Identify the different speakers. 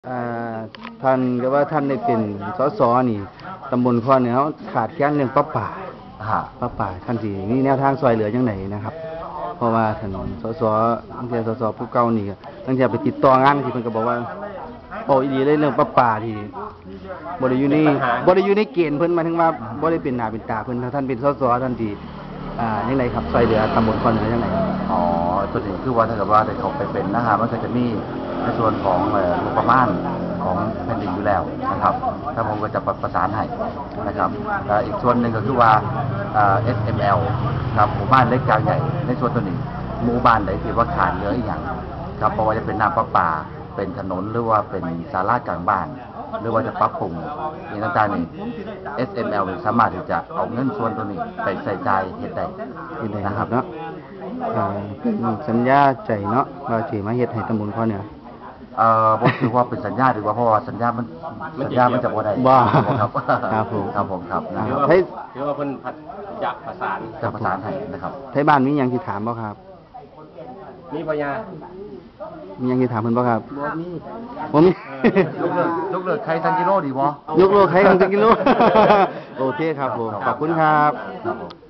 Speaker 1: อ่าท่านก็ว่าท่านได้เป็นสสนี่ตำบลคอเนี่ยเขาขาดแคลนเรื่องป้าป่าท่านสิมีแนวทางซอยเหลือจังไดนะครับ เพราะว่าท่านสสตั้งแต่สสผู้เก่านี่ก็ตั้งแต่ไปติดต่องานที่เพิ่นก็บอกว่าโอ้อีหลีเลยเรื่องป้าป่าที่บ่ได้อยู่ในเกณฑ์เพิ่นหมายถึงว่าบ่ได้เป็นหน้าเป็นตาเพิ่นถ้าท่านเป็นสสท่านสิจังไดครับซอยเหลือตำบลคอเหนือจังได
Speaker 2: อ๋อตัวนี้คือว่าถ้าเกิดว่าได้เขาไปเป็นนะฮะมันก็จะมีในส่วนของงบประมาณของแผ่นดินอยู่แล้วนะครับถ้าผมก็จะประสานให้นะครับอีกส่วนหนึ่งก็คือว่าSML ครับหมู่บ้านเล็กกลางใหญ่ในส่วนตัวนี้หมู่บ้านใดที่ว่าขาดเหลืออีกอย่างครับเพราะว่าจะเป็นน้ำประปาเป็นถนนหรือว่าเป็นศาลากลางบ้านหรือว่าจะปรับปรุงอย่างต่างๆนี่ SML สามารถที่จะเอาเงินส่วนตัวนี้ไปใส่ใจเฮ็ดได้
Speaker 1: นะครับเนาะเป็นสัญญาใจเนาะว่าสิมาเฮ็ดให้ตำบลคอเหนือ
Speaker 2: บ่ถือว่าเป็นสัญญาดีกว่าเพราะว่าสัญญามันจะบ่ได้
Speaker 1: ครับครับผม
Speaker 2: ครับผมครับ
Speaker 3: ถือว่าเพิ่นจะประสาน
Speaker 2: ให้นะครับ
Speaker 1: ไทบ้านมีหยังสิถามบ่ครับ
Speaker 3: มีปัญญา
Speaker 1: มีหยังสิถามเพิ่นบ่ครับบ่มี
Speaker 2: ยกเลิกใครทันกิโลดีบ่
Speaker 1: ยกเลิกใครทันกิโลโอเคครับผมขอบคุณครับ